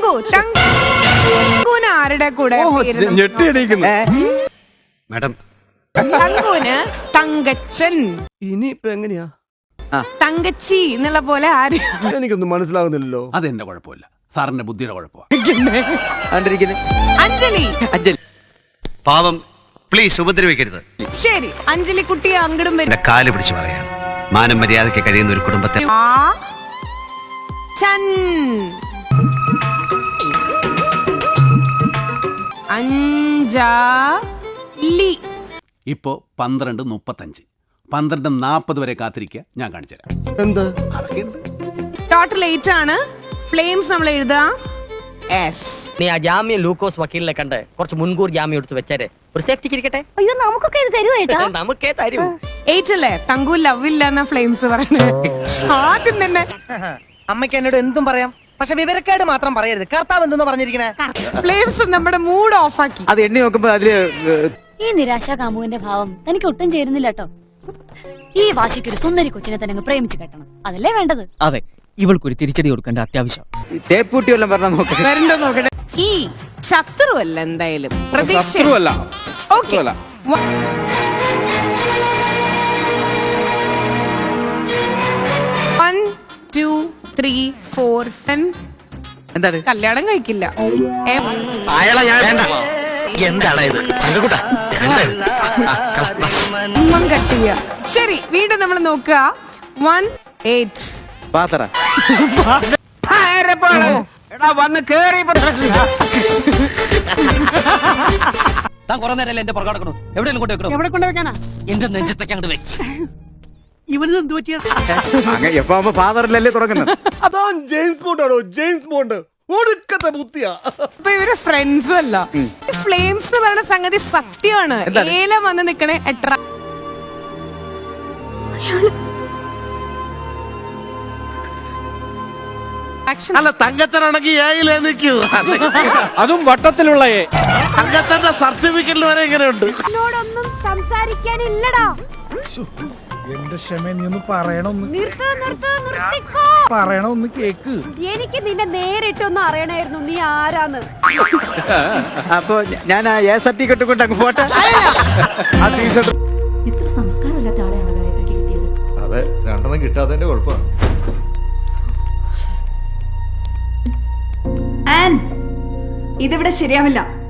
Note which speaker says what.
Speaker 1: തങ്കൂന് ആരുടെ കൂടെ
Speaker 2: മാഡം
Speaker 1: തങ്കൂന് തങ്കച്ചൻ.
Speaker 3: ഇനിയിപ്പോ എങ്ങനെയാ?
Speaker 1: തങ്കച്ചി എന്നുള്ള പോലെ ആര്?
Speaker 3: എനിക്കൊന്നും മനസ്സിലാകുന്നില്ലല്ലോ.
Speaker 4: അതെന്റെ കുഴപ്പമില്ല, സാറിന്റെ ബുദ്ധിയുടെ കുഴപ്പമാണ്.
Speaker 1: അഞ്ജലി.
Speaker 2: പാവം, പ്ലീസ് ഉപദ്രവിക്കരുത്.
Speaker 1: ശരി, അഞ്ജലി കുട്ടിയെ അങ്ങടും
Speaker 2: എന്റെ കാല് പിടിച്ചു പറയാണ്. മാനം മര്യാദയ്ക്ക് കഴിയുന്ന ഒരു കുടുംബത്തെ
Speaker 1: അഞ്ജലി.
Speaker 4: ഇപ്പോ 12:35, 12:40 വരെ കാത്തിരിക്കുക, ഞാൻ കാണിച്ചു തരാം.
Speaker 3: എന്ത്
Speaker 1: ടോട്ടൽ 8 ആണ്. ഫ്ലെയിംസ് നമ്മൾ എഴുതാം.
Speaker 5: നീ ആ ജാമ്യം ലൂക്കോസ് വക്കീലിനെ കണ്ട് കുറച്ച് മുൻകൂർ ജാമ്യം എടുത്ത് വെച്ചേരെ, ഒരു സേഫ്റ്റിക്ക് ഇരിക്കട്ടെ.
Speaker 6: അയ്യോ, നമുക്കൊക്കെ ഇത് തരുവോ?
Speaker 5: നമുക്കേ തരൂ.
Speaker 1: 8 അല്ലേ? തങ്കു ലവ് ഇല്ല എന്നാ ഫ്ലെയിംസ് പറയണേ. ആദ്യം തന്നെ
Speaker 5: അമ്മയ്ക്ക് എന്നോട് എന്തും പറയാം, പക്ഷെ വിവരക്കേട് മാത്രം പറയരുത്. കർത്താവ് എന്തെന്ന് പറഞ്ഞിരിക്കണേ.
Speaker 1: ഫ്ലെയിംസ് നമ്മുടെ മൂഡ് ഓഫ് ആക്കി.
Speaker 7: അത് എണ്ണി നോക്കുമ്പോ അതില്
Speaker 6: ഈ നിരാശാ കാമുവിന്റെ ഭാവം തനിക്ക് ഒട്ടും ചേരുന്നില്ല കേട്ടോ. ഈ വാശിക്കൊരു സുന്ദരി കൊച്ചിനെ തന്നെ അങ്ങ് പ്രേമിച്ച് കെട്ടണം, അതല്ലേ വേണ്ടത്.
Speaker 7: അതെ, ഇവൾക്കൊരു തിരിച്ചടി കൊടുക്കേണ്ട അത്യാവശ്യം. തേപ്പൂട്ടി വല്ലതും പറഞ്ഞാൽ
Speaker 1: വരണ്ടോ നോക്കട്ടെ. ഈ ശത്രുവല്ല, എന്തായാലും പ്രതീക്ഷ. ഓക്കേ. 1 2 3 4 5.
Speaker 7: എന്താണ്?
Speaker 1: കല്യാണം കഴിക്കില്ല.
Speaker 2: അയാളെ ഞാൻ വേണ്ട. എന്താണ് ഇത്? ചങ്കക്കുട്ട
Speaker 1: കട്ടിയ. ശരി, വീണ്ടും നമ്മൾ നോക്കുക. 1 8.
Speaker 7: പാത്തറ താൻ കുറെ നേരം എന്റെ പുറകെ നടക്കണു. എവിടെയെങ്കിലും കൊണ്ടുവെക്കണോ?
Speaker 5: എവിടെ കൊണ്ടുവെക്കാനാ?
Speaker 7: എന്റെ നെഞ്ചത്തേക്ക് അങ്ങോട്ട് വെക്ക്.
Speaker 5: ഇവന് എന്ത് പറ്റിയ?
Speaker 7: ഫാദറിലല്ലേ തുടങ്ങുന്നത്?
Speaker 3: അതാ ജെയിംസ് ബോണ്ടാണോ? ജെയിംസ് ബോണ്ട് ഒടുക്കത്തെ ബുദ്ധിയാ.
Speaker 1: ഇപ്പൊ ഇവര് ഫ്രണ്ട്സും അല്ല. ഫ്ലെയിംസ് എന്ന് പറയുന്ന സംഗതി സത്യമാണ്. ഏലം വന്ന് നിക്കണേ എട്ര.
Speaker 3: അല്ല, തങ്കച്ചനാണെങ്കിൽ ഏയിലേ നിൽക്കൂ.
Speaker 8: അതും വട്ടത്തിലുള്ള
Speaker 3: തങ്കച്ചന്റെ സർട്ടിഫിക്കറ്റിൽ വരെ ഇങ്ങനെയുണ്ട്.
Speaker 6: എന്നോടൊന്നും സംസാരിക്കാനില്ലടാ.
Speaker 9: എന്റെ ക്ഷമ നീ ഒന്ന് പറയണൊന്ന്
Speaker 6: നിർത്തിക്കോ.
Speaker 9: പറയണൊന്ന് കേക്ക്.
Speaker 6: എനിക്ക് നിന്നെ നേരിട്ടൊന്നും അറിയണായിരുന്നു നീ ആരാന്ന്.
Speaker 7: അപ്പൊ ഞാൻ ആ സർട്ടിഫിക്കറ്റ് കൊണ്ട് അങ്ങ് പോട്ടെ.
Speaker 6: ഇത്ര സംസ്കാരമില്ലാത്ത ആളെയാണ് ഗായത്രിക്ക് കിട്ടിയത്.
Speaker 9: അതെ, 2 കിട്ടാത്തതിന്റെ കുഴപ്പമാണ്.
Speaker 6: ഇതിവിടെ ശരിയാവില്ല.